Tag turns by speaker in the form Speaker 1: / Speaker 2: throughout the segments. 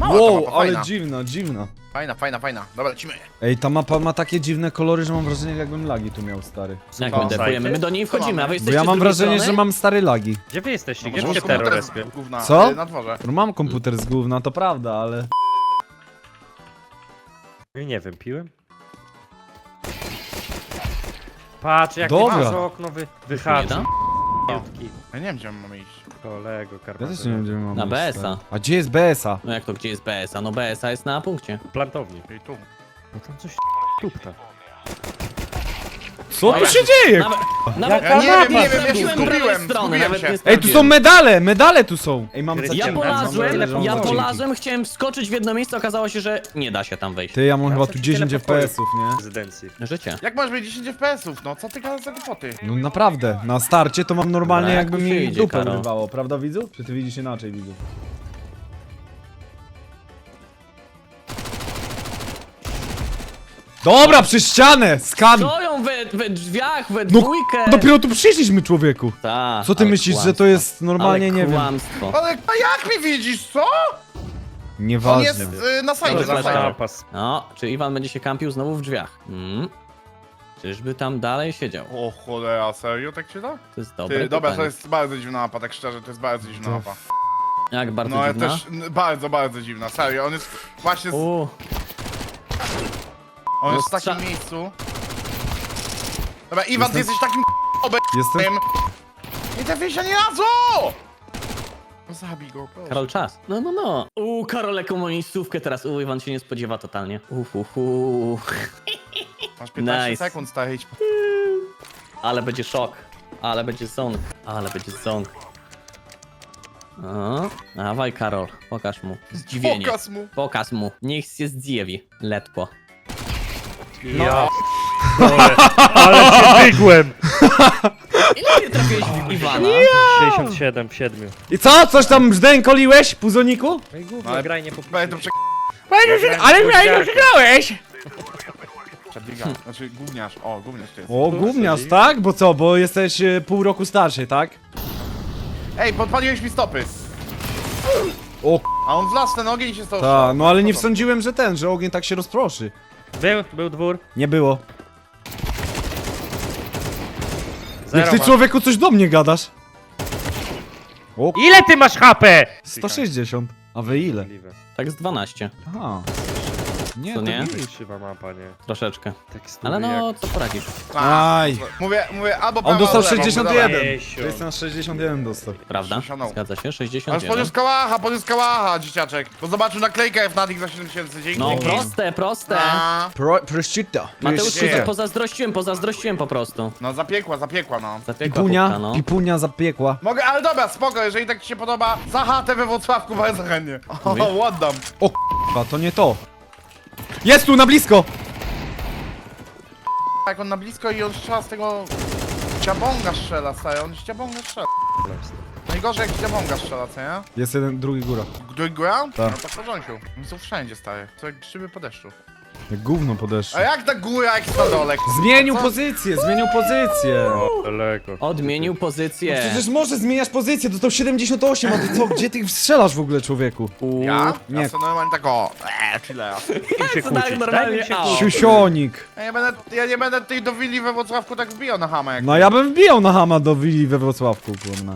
Speaker 1: ta
Speaker 2: Wow,
Speaker 1: mapa,
Speaker 2: ale
Speaker 1: fajna.
Speaker 2: dziwna.
Speaker 1: Fajna. Dobra, lecimy.
Speaker 2: Ej, ta mapa ma takie dziwne kolory, że mam wrażenie, jakbym lagi tu miał, stary.
Speaker 3: Jak
Speaker 1: Co?
Speaker 3: my defujemy? My do niej wchodzimy, a wy
Speaker 2: Bo
Speaker 3: jesteście
Speaker 2: ja
Speaker 3: z
Speaker 2: mam
Speaker 3: drugiej
Speaker 2: wrażenie,
Speaker 3: strony?
Speaker 2: że mam stare lagi.
Speaker 4: Gdzie wy jesteście? Gdzie
Speaker 1: Może
Speaker 4: się
Speaker 1: komputer
Speaker 4: terror
Speaker 1: z
Speaker 4: respie?
Speaker 1: gówna,
Speaker 2: Co?
Speaker 1: Na dworze.
Speaker 2: No mam komputer z gówna, to prawda, ale...
Speaker 4: Nie wiem, piłem? Patrz, jak
Speaker 2: Dobra.
Speaker 4: ty masz okno
Speaker 3: Nie
Speaker 4: wyhaczy.
Speaker 3: da?
Speaker 1: Ja nie wiem, gdzie mamy iść.
Speaker 4: Kolego,
Speaker 2: Ja
Speaker 4: Karpaty.
Speaker 2: też nie wiem, gdzie my mamy
Speaker 3: Na
Speaker 2: iść,
Speaker 3: BS-a.
Speaker 2: stary. A gdzie jest BS-a?
Speaker 3: No jak to, gdzie jest BS-a? No BS-a jest na punkcie.
Speaker 4: Plantowni.
Speaker 1: Ej, tu.
Speaker 4: No tam coś tupta.
Speaker 2: Co tu się dzieje?
Speaker 3: Nawet
Speaker 1: Ja nie wiem, ja się
Speaker 3: sprawdziłem prawej
Speaker 1: zgubiłem,
Speaker 3: strony,
Speaker 1: zgubiłem
Speaker 3: nawet
Speaker 1: się.
Speaker 3: nie
Speaker 2: Ej, tu
Speaker 3: sprawdziłem.
Speaker 2: są medale tu są! Ej, mam
Speaker 4: Ja
Speaker 3: Ja
Speaker 2: mam
Speaker 3: polazłem,
Speaker 2: nadzieję, że
Speaker 3: ja
Speaker 2: mam
Speaker 3: polazłem, chciałem wskoczyć w jedno miejsce, okazało się, że nie da się tam wejść.
Speaker 2: Ty, ja mam
Speaker 4: Ja
Speaker 2: chyba
Speaker 4: chcę
Speaker 2: tu
Speaker 4: ci
Speaker 2: 10
Speaker 4: tyle pokoju.
Speaker 2: FPS-ów, nie?
Speaker 4: Rezydencji.
Speaker 3: Życie.
Speaker 1: Jak masz mieć 10 FPS-ów? No, co ty gadasz za głupoty?
Speaker 2: No naprawdę, na starcie to mam normalnie
Speaker 3: Dobra,
Speaker 2: jakby
Speaker 3: jak tu
Speaker 2: mi
Speaker 3: się idzie,
Speaker 2: dupę
Speaker 3: Karol?
Speaker 2: urywało, prawda widzu? Czy ty widzisz inaczej, widzu? Dobra, przez ścianę! Skan!
Speaker 3: Stoją we drzwiach, we
Speaker 2: No
Speaker 3: dwójkę.
Speaker 2: dopiero tu przyszliśmy, człowieku!
Speaker 3: Ta,
Speaker 2: Co ty
Speaker 3: ale
Speaker 2: myślisz, że
Speaker 3: kłamstwo.
Speaker 2: to jest normalnie,
Speaker 3: Ale
Speaker 2: nie wiem.
Speaker 3: kłamstwo.
Speaker 1: Ale a jak mnie widzisz, co? On
Speaker 2: Nieważne.
Speaker 1: jest na sajdzie,
Speaker 3: Dobra,
Speaker 1: na
Speaker 3: flash
Speaker 1: sajdzie.
Speaker 4: Zapas.
Speaker 3: No, czy Iwan będzie się kampił znowu w drzwiach? Czyżby tam dalej siedział?
Speaker 1: O cholera, serio tak się da?
Speaker 3: To jest dobre
Speaker 1: Ty, dobra, to
Speaker 3: pytanie.
Speaker 1: jest bardzo dziwna mapa, tak szczerze, to jest bardzo dziwna
Speaker 2: To
Speaker 1: mapa.
Speaker 3: Jak bardzo
Speaker 1: No, ja
Speaker 3: dziwna?
Speaker 1: też, bardzo dziwna, serio, on jest właśnie, on
Speaker 3: no
Speaker 1: jest w takim
Speaker 3: strza-
Speaker 1: miejscu. Dobra, Iwan, ty
Speaker 2: Jestem-
Speaker 1: jesteś takim
Speaker 2: Jestem...
Speaker 1: Nie trafię się ani razu! No zabij go, proszę.
Speaker 3: Karol, czas. No. Karol, jaką ma miejscówkę teraz. Iwan się nie spodziewa totalnie.
Speaker 1: Masz 15
Speaker 3: Nice.
Speaker 1: sekund, stary, idź.
Speaker 3: Ale będzie szok. Ale będzie ząg. O, dawaj Karol, pokaż mu. Zdziwienie.
Speaker 1: Pokaż mu.
Speaker 3: Pokaż mu. Niech się zdziwi. Letko.
Speaker 4: Ja. Dole. Ale cię dygłem!
Speaker 3: Ile nie trafiłeś w Iwana?
Speaker 4: 67 w 7.
Speaker 2: I co? Coś tam brzdękoliłeś, puzoniku?
Speaker 4: No i gówno,
Speaker 1: Ale-
Speaker 4: graj nie
Speaker 1: Będę
Speaker 4: po
Speaker 1: to
Speaker 2: Ale mnie nie przegrałeś!
Speaker 1: Przedbiega, znaczy gówniarz, o, gówniarz to jest.
Speaker 2: O, gówniarz, tak? Bo co? Bo jesteś pół roku starszy, tak?
Speaker 1: Ej, podpaliłeś mi stopy.
Speaker 2: O,
Speaker 1: A on wlazł w ten ogień i się stał
Speaker 2: ta, no ale nie
Speaker 1: Co to?
Speaker 2: sądziłem, że ogień tak się rozproszy.
Speaker 4: Był dwór.
Speaker 2: Nie było.
Speaker 4: Zero
Speaker 2: Jak ty
Speaker 4: ma.
Speaker 2: człowieku coś do mnie gadasz? O,
Speaker 4: Ile ty masz HP?
Speaker 2: 160. A wy ile?
Speaker 4: Możliwe.
Speaker 3: Tak z 12.
Speaker 2: Aha. Nie,
Speaker 3: Co
Speaker 2: to
Speaker 3: nie?
Speaker 2: nie.
Speaker 4: Krzywa mapa, nie?
Speaker 3: Troszeczkę.
Speaker 4: Tekstury
Speaker 3: Ale no, co poradzisz?
Speaker 2: Aj.
Speaker 1: Mówię, albo
Speaker 2: On
Speaker 1: prawo,
Speaker 2: dostał
Speaker 1: albo lewo,
Speaker 2: 61.
Speaker 1: mówię,
Speaker 4: Jeziu.
Speaker 2: To jest na 61 dostał.
Speaker 3: Prawda?
Speaker 1: 60.
Speaker 3: Zgadza się?
Speaker 1: Ale
Speaker 3: 61.
Speaker 1: podniósł kałacha, dzieciaczek. Bo zobaczył naklejkę Fnatic za 7000, dzięki.
Speaker 3: No proste.
Speaker 1: A,
Speaker 2: Prosciutto.
Speaker 3: Mateusz,
Speaker 1: Nie.
Speaker 3: pozazdrościłem po prostu.
Speaker 1: No zapiekła, no.
Speaker 3: Zapiekła
Speaker 2: Pipunia,
Speaker 3: pupka, no.
Speaker 2: pipunia zapiekła.
Speaker 1: Mogę, ale dobra, spoko, jeżeli tak ci się podoba, za chatę we Wrocławku bardzo chętnie. O, oddam.
Speaker 2: O k***a, to nie to. Jest tu, na blisko!
Speaker 1: Jak on na blisko i on strzela z tego... Ciabonga strzela, stary, on z ciabonga strzela. Najgorzej jak ciabonga strzela, co nie?
Speaker 2: Jest jeden, drugi góra.
Speaker 1: Drugi ground?
Speaker 2: Tak.
Speaker 1: No to w porządku. Oni są wszędzie, stary. To jak grzyby po deszczu.
Speaker 2: Jak gówno podeszło.
Speaker 1: A jak ta góra, jak na dole?
Speaker 2: Zmienił
Speaker 1: Co?
Speaker 2: pozycję, zmienił pozycję.
Speaker 4: O, daleko.
Speaker 3: Odmienił pozycję.
Speaker 2: Przecież może zmieniać pozycję, dostał 78, a ty co, gdzie ty strzelasz w ogóle, człowieku?
Speaker 1: Ja?
Speaker 2: Nie.
Speaker 1: Ja sobie normalnie tak o... chillera.
Speaker 4: Im się
Speaker 3: Co tak
Speaker 4: kłócić,
Speaker 3: normalnie?
Speaker 4: daj im się
Speaker 3: Au.
Speaker 4: kłócić.
Speaker 2: Siusionik.
Speaker 1: Ja nie będę tej do willi we Wrocławku tak wbijał na hamę jak...
Speaker 2: No ja bym wbijał na hama do willi we Wrocławku, kurna.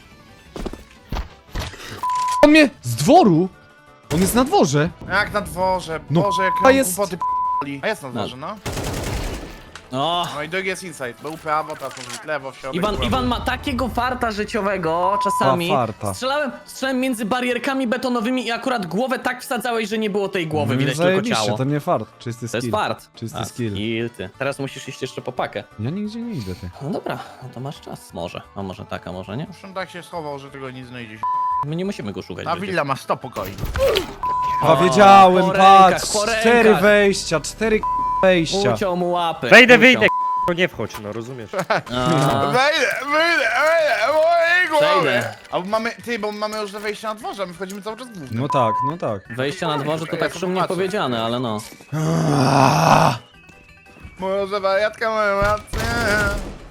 Speaker 2: On mnie z dworu? On jest na dworze.
Speaker 1: Jak na dworze,
Speaker 2: No,
Speaker 1: Boże, jak
Speaker 2: a
Speaker 1: nam
Speaker 2: jest-
Speaker 1: głupoty p***li. A jest na dworze, no.
Speaker 3: O,
Speaker 1: No i drugi jest inside. Był prawo, teraz może być lewo, w środek. prawo.
Speaker 3: Iwan ma takiego farta życiowego czasami.
Speaker 2: A, farta.
Speaker 3: Strzelałem między barierkami betonowymi i akurat głowę tak wsadzałeś, że nie było tej głowy,
Speaker 2: No,
Speaker 3: widać tylko
Speaker 2: zajebiście,
Speaker 3: ciało.
Speaker 2: to nie fart, czysty
Speaker 3: To jest
Speaker 2: skill.
Speaker 3: fart.
Speaker 2: Czysty
Speaker 3: A,
Speaker 2: skill.
Speaker 3: ty. Teraz musisz iść jeszcze po pakę.
Speaker 2: Ja nigdzie nie idę, ty.
Speaker 3: No dobra, no to masz czas. Może. A może tak, a może nie?
Speaker 1: Już on tak się schował, że tego nie znajdziesz.
Speaker 3: My nie musimy go szukać.
Speaker 1: Ta
Speaker 3: będzie.
Speaker 1: willa ma 100 pokoi.
Speaker 2: A wiedziałem,
Speaker 3: po rękach,
Speaker 2: patrz,
Speaker 3: po
Speaker 2: 4
Speaker 3: rękach.
Speaker 2: wejścia, 4 wejścia.
Speaker 3: Uciął mu łapy.
Speaker 4: Wejdę,
Speaker 3: uciął.
Speaker 4: wyjdę, to nie wchodź, no rozumiesz.
Speaker 3: A,
Speaker 1: Wyjdę, mojej głowy!
Speaker 3: Przejdę.
Speaker 1: Bo mamy już wejście na dworze, a my wchodzimy cały czas głównym.
Speaker 2: No tak, no tak.
Speaker 3: Wejście na dworze to
Speaker 1: Ja
Speaker 3: tak
Speaker 1: to
Speaker 3: szumnie
Speaker 1: zobaczę.
Speaker 3: powiedziane, ale no.
Speaker 1: Może wariatka moja rację.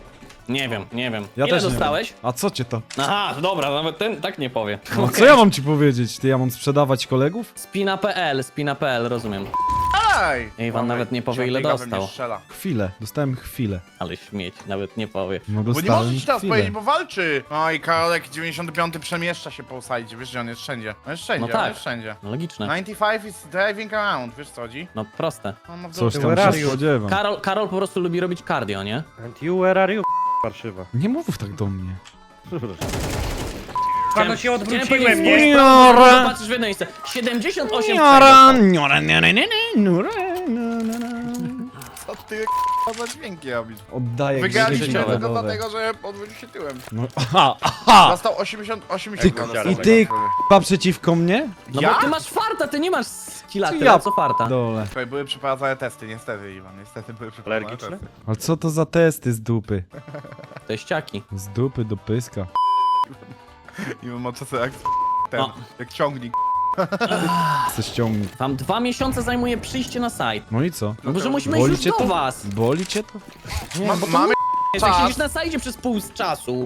Speaker 3: Nie wiem, nie wiem.
Speaker 2: Ja
Speaker 3: Ile
Speaker 2: też nie
Speaker 3: dostałeś?
Speaker 2: wiem. A co cię to?
Speaker 3: Aha, dobra, nawet ten tak nie powie.
Speaker 2: No
Speaker 3: Okej.
Speaker 2: co ja mam ci powiedzieć? Ty, ja mam sprzedawać kolegów?
Speaker 3: Spina.pl, rozumiem.
Speaker 1: Ej!
Speaker 3: Iwan nawet nie powie, ile
Speaker 1: Ciągnika we mnie
Speaker 3: dostał.
Speaker 1: strzela.
Speaker 2: Chwilę, dostałem chwilę.
Speaker 3: Ale śmieć, nawet nie powie.
Speaker 2: No
Speaker 1: Bo nie
Speaker 2: dostałem
Speaker 1: możesz teraz
Speaker 2: chwilę.
Speaker 1: powiedzieć, bo walczy. No i Karolek 95 przemieszcza się po sajdzie, wiesz, że on jest wszędzie. On jest wszędzie,
Speaker 3: No tak.
Speaker 1: on jest wszędzie.
Speaker 3: No logiczne.
Speaker 1: 95 is driving around, wiesz co chodzi?
Speaker 3: No proste.
Speaker 1: On ma w
Speaker 2: Coś
Speaker 1: dupie.
Speaker 2: tam
Speaker 4: Where are
Speaker 2: się
Speaker 4: you?
Speaker 2: spodziewam.
Speaker 3: Karol po prostu lubi robić cardio, nie?
Speaker 4: And you, where are you? Warszywa.
Speaker 2: Nie mów tak do mnie.
Speaker 4: Panu się
Speaker 3: Chciałem
Speaker 4: odwróciłem,
Speaker 3: powiedzieć,
Speaker 4: nie?
Speaker 2: Niora.
Speaker 3: patrzysz w jedno miejsce. 78
Speaker 2: Niora, niora, niora, niora, niora.
Speaker 1: Co ty k***a za dźwięki robisz?
Speaker 2: Oddaję
Speaker 1: Wygraliśmy
Speaker 2: grzechy
Speaker 1: tylko
Speaker 2: narodowe.
Speaker 1: dlatego, że odwrócił się tyłem.
Speaker 2: No, aha!
Speaker 1: Dostał 88
Speaker 2: Ty,
Speaker 1: dostał
Speaker 2: i
Speaker 1: za
Speaker 2: ty
Speaker 1: to.
Speaker 2: k***a przeciwko mnie?
Speaker 3: No
Speaker 1: Ja?
Speaker 3: bo ty masz farta, ty nie masz skilla,
Speaker 2: Czy
Speaker 3: tyle
Speaker 2: ja
Speaker 3: co farta.
Speaker 2: Dole.
Speaker 1: Słuchaj, były przeprowadzane testy, niestety Iwan, niestety były przeprowadzane
Speaker 4: Alergiczne?
Speaker 1: testy.
Speaker 2: Ale co to za testy z dupy?
Speaker 3: To jest ciaki.
Speaker 2: Z dupy do pyska.
Speaker 1: Iwan ma czasem jak ten,
Speaker 3: O.
Speaker 1: jak ciągnik.
Speaker 2: Chcę ściągnąć.
Speaker 3: Wam 2 miesiące zajmuje przyjście na site.
Speaker 2: No i co?
Speaker 3: No bo że musimy iść
Speaker 2: Boli
Speaker 3: już
Speaker 2: cię
Speaker 3: do
Speaker 2: to?
Speaker 3: was.
Speaker 2: Boli cię to?
Speaker 1: Mamy
Speaker 3: Jak
Speaker 1: czas.
Speaker 3: siedzisz na sajdzie przez pół z czasu.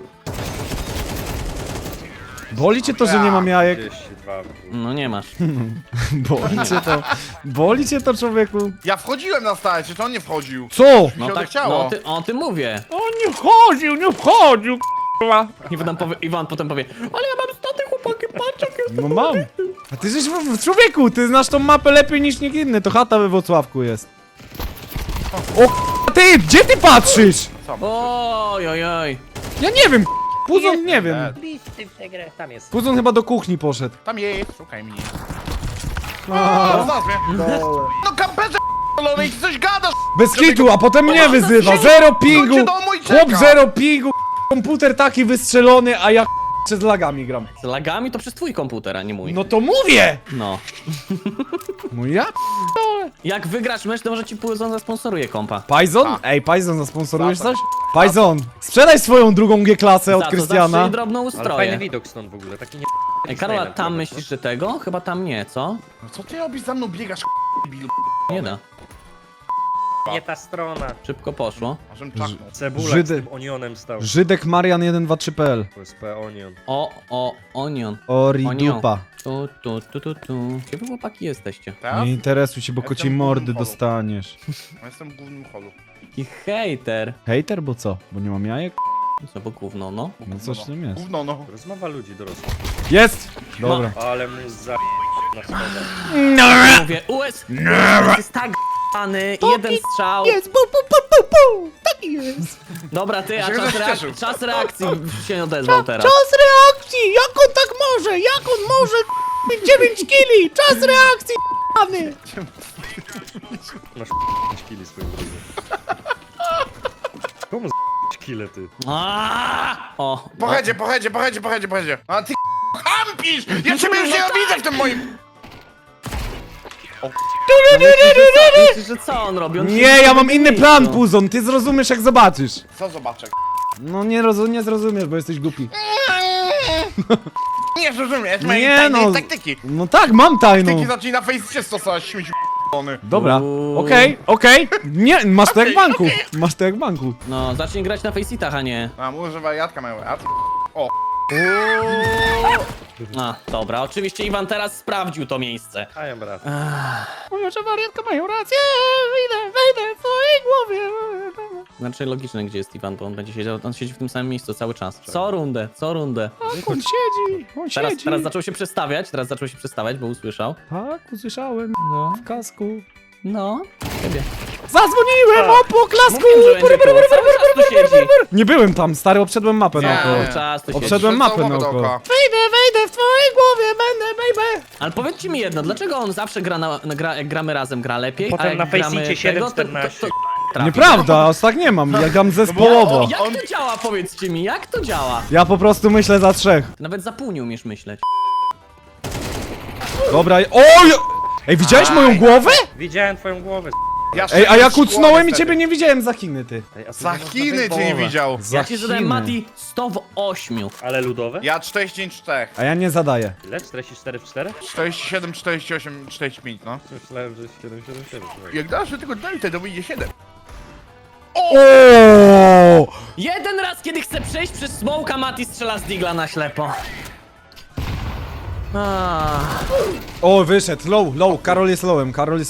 Speaker 2: Boli cię to, że nie mam jajek?
Speaker 4: 32.
Speaker 3: No nie masz.
Speaker 2: Boli cię to? Boli cię to, człowieku?
Speaker 1: Ja wchodziłem na starcie, to on nie wchodził.
Speaker 2: Co?
Speaker 1: Mi
Speaker 3: No
Speaker 1: się
Speaker 3: tak,
Speaker 1: odechciało.
Speaker 3: no o tym mówię.
Speaker 2: On nie wchodził, nie wchodził, k***a.
Speaker 3: Iwan potem powie, ale ja mam staty chłopaki, patrz jak jest.
Speaker 2: No mam. A ty żeś człowieku, ty znasz tą mapę lepiej niż nikt inny, to chata we Wrocławku jest. O k***a, ty, gdzie ty patrzysz?
Speaker 3: Oj, oj, oj.
Speaker 2: Ja nie wiem, Puzon nie wiem.
Speaker 4: Listy w tę grę, tam jest.
Speaker 2: Puzon chyba do kuchni poszedł.
Speaker 1: Tam jest, szukaj mnie.
Speaker 2: A,
Speaker 1: Znalazł mnie. No kamperze k***olony, ty coś gadasz.
Speaker 2: bez kitu, a potem mnie wyzywa. Zero pingu.
Speaker 1: Wróćcie do mój
Speaker 2: Chłop
Speaker 1: czeka.
Speaker 2: zero pingu. Komputer taki wystrzelony, a ja z lagami gram.
Speaker 3: Z lagami to przez twój komputer, a nie mój.
Speaker 2: No to mówię!
Speaker 3: No.
Speaker 2: No ja?
Speaker 3: Jak wygrasz mecz, to może ci Puzon zasponsoruje kompa.
Speaker 2: Pajzon?
Speaker 1: Tak.
Speaker 2: Ej, Pajzon, zasponsorujesz
Speaker 1: Za to.
Speaker 2: coś? Pajzon, sprzedaj swoją drugą G-klasę od
Speaker 3: Za to zawsze
Speaker 2: Krystiana.
Speaker 3: i drobną
Speaker 4: Ale fajny
Speaker 3: ustroję.
Speaker 4: widok stąd w ogóle, taki nie...
Speaker 3: Ej, Karola, tam myślisz, że tego? Chyba tam nie, co?
Speaker 1: No co ty robisz za mną, biegasz k***bil.
Speaker 3: Nie da.
Speaker 4: Nie ta strona.
Speaker 3: Szybko poszło.
Speaker 1: Możem czaknął.
Speaker 4: Cebulak
Speaker 2: Żydy-
Speaker 4: z tym onionem stał.
Speaker 2: Żydek Marian 123.pl.
Speaker 4: USP onion.
Speaker 3: Onion.
Speaker 2: Ori
Speaker 3: Onion.
Speaker 2: dupa.
Speaker 3: Tu. Gdzie wy chłopaki jesteście?
Speaker 1: Teraz?
Speaker 2: Nie interesuj się, bo
Speaker 1: Ja
Speaker 2: kociej
Speaker 1: jestem w
Speaker 2: mordy
Speaker 1: głównym holu.
Speaker 2: dostaniesz.
Speaker 1: Ja jestem w głównym holu.
Speaker 3: I hejter.
Speaker 2: Hejter, bo co? Bo nie mam jajek?
Speaker 3: Co, bo gówno, no.
Speaker 2: No coś w tym jest.
Speaker 1: Gówno no.
Speaker 4: Rozmowa ludzi dorosłych.
Speaker 2: Jest! Dobra.
Speaker 4: Ale mu za... na schodach.
Speaker 3: Mówię, US jest tak g***any, jeden strzał.
Speaker 2: Jest, bu, bu, bu, bu, bu. Taki jest.
Speaker 3: Dobra, ty, a
Speaker 1: Ja się cieszył.
Speaker 3: czas reakcji się odezwał teraz.
Speaker 2: Czas reakcji! Jak on tak może? Jak on może? 9 kili! Czas reakcji! Pany!
Speaker 4: Masz 5 kili swoją drogą. Komu z kile ty?
Speaker 3: O,
Speaker 1: Pochedzie. A ty kampisz! Ja ciebie już nie widzę w tym moim...
Speaker 3: myślisz, że co on robi? On
Speaker 2: Nie,
Speaker 3: siedzi
Speaker 2: ja
Speaker 3: w
Speaker 2: mam
Speaker 3: tym
Speaker 2: inny
Speaker 3: miejscu.
Speaker 2: plan, Puzon, ty zrozumiesz jak zobaczysz.
Speaker 1: Co zobaczę?
Speaker 2: No nie zrozumiesz, bo jesteś głupi.
Speaker 1: Nie rozumiesz
Speaker 2: Nie,
Speaker 1: mojej tajnej
Speaker 2: no.
Speaker 1: taktyki.
Speaker 2: No tak, mam tajną.
Speaker 1: Taktyki zacznij na fejsie stosować, śmieci k***ony.
Speaker 2: Dobra,
Speaker 3: Uuu.
Speaker 2: okej. Nie, masz to jak w
Speaker 1: Okej,
Speaker 2: banku. Masz to jak w banku.
Speaker 3: No, zacznij grać na faceitach, a nie.
Speaker 1: A, może wariatka mają rację. O,
Speaker 3: A, dobra, oczywiście Iwan teraz sprawdził to miejsce.
Speaker 4: A ja brat.
Speaker 2: Mówią, że wariatka mają rację. Wejdę w twojej głowie.
Speaker 3: Znaczy logiczne, gdzie jest Iwan, bo on będzie siedział, on siedzi w tym samym miejscu cały czas. Co rundę.
Speaker 2: Tak, on siedzi, on siedzi.
Speaker 3: Teraz zaczął się przestawiać, bo usłyszał.
Speaker 2: Tak, usłyszałem.
Speaker 3: No,
Speaker 2: W kasku.
Speaker 3: no, ciebie.
Speaker 2: Zadzwoniłem o poklasku!
Speaker 3: Mówiłem, że będzie koło, cały czas tu siedzi.
Speaker 2: Nie byłem tam, stary, obszedłem mapę
Speaker 1: Nie.
Speaker 2: naokoło.
Speaker 3: Cały czas tu siedzi.
Speaker 2: Obszedłem mapę
Speaker 1: Całą
Speaker 2: naokoło.
Speaker 1: dookoła.
Speaker 2: Wejdę w twojej głowie, będę, baby!
Speaker 3: Ale powiedzcie mi jedno, dlaczego on zawsze jak gramy razem, gra lepiej,
Speaker 4: Potem
Speaker 3: a jak
Speaker 4: na
Speaker 3: gramy
Speaker 4: Faceicie
Speaker 3: tego,
Speaker 4: 7-14.
Speaker 3: trafi.
Speaker 2: Nieprawda, aż tak nie mam, ja gram zespołowo.
Speaker 3: Jak to działa, powiedzcie mi, jak to działa?
Speaker 2: Ja po prostu myślę za trzech.
Speaker 3: Nawet za pół nie umiesz myśleć.
Speaker 2: Dobra, oj! Ej, widziałeś moją głowę?
Speaker 4: Widziałem twoją głowę.
Speaker 1: Ja
Speaker 2: Ej, a ja
Speaker 1: szkło
Speaker 2: kucnąłem i
Speaker 1: niestety.
Speaker 2: ciebie nie widziałem za Chiny, ty.
Speaker 4: Ej, a tu
Speaker 1: Za
Speaker 4: nie można
Speaker 1: Chiny
Speaker 4: wyjść
Speaker 1: cię nie
Speaker 4: połowę.
Speaker 1: widział.
Speaker 2: Za
Speaker 3: Ja ci zadałem,
Speaker 2: Chiny.
Speaker 3: Mati, 100 w 8.
Speaker 4: Ale ludowe?
Speaker 1: Ja 44.
Speaker 2: A ja nie zadaję.
Speaker 4: Ile? 44 w 4?
Speaker 1: 47, 48, 45, no.
Speaker 4: Myślałem, że 777.
Speaker 1: Jak dasz do tego delta, to wyjdzie 7.
Speaker 2: O!
Speaker 3: Jeden raz, kiedy chcę przejść przez smoka, Mati strzela z digla na ślepo.
Speaker 2: O, wyszedł, low, Karol jest lowem,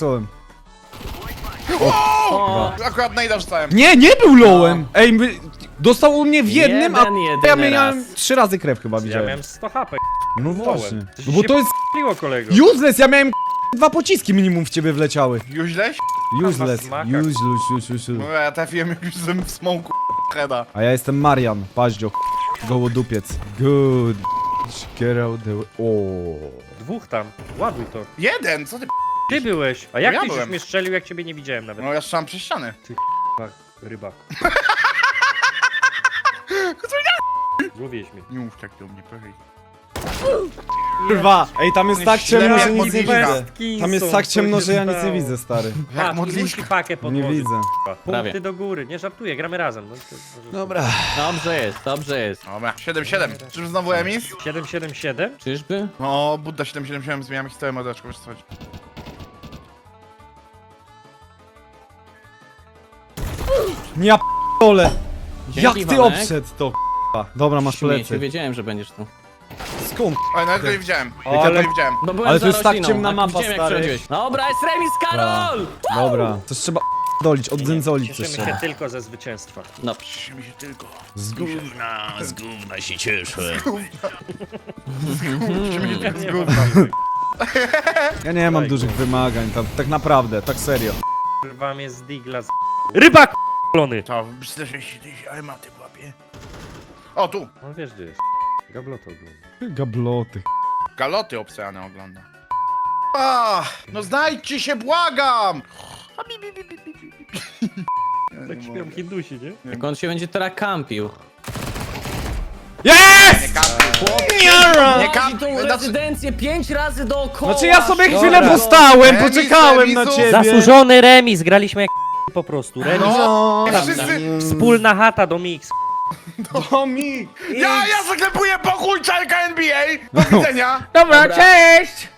Speaker 3: O,
Speaker 1: Akurat najda wrzucałem.
Speaker 2: Nie był lowem! Ej, dostał u mnie w jednym, a
Speaker 3: jedyny
Speaker 2: ja miałem
Speaker 3: raz.
Speaker 2: 3 razy krew chyba
Speaker 4: Ja
Speaker 2: widziałem.
Speaker 4: miałem 100 HP.
Speaker 2: No
Speaker 4: Lowem.
Speaker 2: właśnie.
Speaker 4: Coś
Speaker 2: No bo
Speaker 4: się
Speaker 2: to jest
Speaker 4: p***liło, kolego.
Speaker 2: useless, ja miałem 2 pociski minimum w ciebie wleciały.
Speaker 1: Już źleś?
Speaker 2: Useless,
Speaker 4: smaka.
Speaker 2: useless.
Speaker 1: No ja trafiłem już w smoku heada.
Speaker 2: A ja jestem Marian, paździo, gołodupiec. Good. Get out the way. O.
Speaker 4: Dwóch tam. Ładuj to.
Speaker 1: Jeden, co ty
Speaker 4: Ty byłeś. A jak
Speaker 1: ja
Speaker 4: tyś już
Speaker 1: byłem.
Speaker 4: mnie strzelił, jak ciebie nie widziałem nawet?
Speaker 1: No ja strzelam przez ściany.
Speaker 4: Rybak. Złowiłeś mnie.
Speaker 1: Nie mów tak do mnie, proszę.
Speaker 2: Kurwa, ej, tam jest tak ciemno, że
Speaker 1: jak
Speaker 2: nic nie
Speaker 1: modliszka.
Speaker 2: widzę. Tam jest tak ciemno, że ja nic nie widzę, stary.
Speaker 1: Jak modliszka.
Speaker 4: pakę pod
Speaker 2: Nie widzę.
Speaker 3: Prawie.
Speaker 4: Punkty do góry. Nie żartuję, gramy razem. No,
Speaker 2: Dobra.
Speaker 3: Dobrze jest.
Speaker 1: Dobra, 7-7. Czyż znowu emis?
Speaker 4: 777?
Speaker 3: Czyżby?
Speaker 1: No, Budda 777, zmieniamy historię mordeczko, wiesz co chodzi.
Speaker 2: Ja p***ole. Jak
Speaker 3: Dzięki,
Speaker 2: ty
Speaker 3: Wanek.
Speaker 2: obszedł to, k***a. Dobra, masz
Speaker 3: Śmieję się,
Speaker 2: plecy.
Speaker 3: wiedziałem, że będziesz tu.
Speaker 2: Skąd?
Speaker 1: Oj, nawet go nie widziałem.
Speaker 2: Ale-
Speaker 1: Ja go nie widziałem.
Speaker 3: No byłem
Speaker 2: Ale
Speaker 3: za
Speaker 2: to jest tak
Speaker 3: rośliną,
Speaker 2: ciemna
Speaker 3: a
Speaker 2: mapa,
Speaker 3: widziałem, jak
Speaker 2: stary.
Speaker 3: przechodziłeś. Dobra, jest remis, Karol!
Speaker 2: Dobra, coś trzeba dolić, oddzędzolić coś
Speaker 4: Cieszymy
Speaker 2: trzeba.
Speaker 4: się tylko ze zwycięstwa.
Speaker 3: No,
Speaker 1: Cieszymy się tylko.
Speaker 2: Z
Speaker 1: Gówna.
Speaker 3: z gówna się cieszę.
Speaker 1: Cieszymy się tylko z gówna.
Speaker 2: Ja nie mam dużych wymagań, tak naprawdę, tak serio.
Speaker 4: Kurwa mnie z digla z... Rybak k***lony!
Speaker 1: To, zderzę się tyś, ale maty w łapie. O, tu.
Speaker 4: No wiesz gdzie jest. Gabloto ogląda.
Speaker 2: Gabloty.
Speaker 1: Galoty obsejane ogląda. No znajdźcie się, błagam!
Speaker 4: Tak śpią Hindusi, nie?
Speaker 3: Jak on się będzie teraz kampił.
Speaker 2: Jest!
Speaker 1: Nie kampił.
Speaker 3: Nie
Speaker 1: kamp-
Speaker 3: tą
Speaker 1: znaczy-
Speaker 3: rezydencję 5 razy dookoła.
Speaker 2: Znaczy ja sobie
Speaker 1: Dobra.
Speaker 2: chwilę postałem,
Speaker 1: Remis,
Speaker 2: poczekałem na
Speaker 1: remisu.
Speaker 2: ciebie.
Speaker 4: Zasłużony remis, graliśmy jak po prostu. Remis.
Speaker 2: No,
Speaker 1: Wszyscy...
Speaker 4: Wspólna chata do mix.
Speaker 2: Tomik!
Speaker 1: Ja zaklepuję pokój czarka NBA! Do widzenia!
Speaker 2: Dobra, cześć!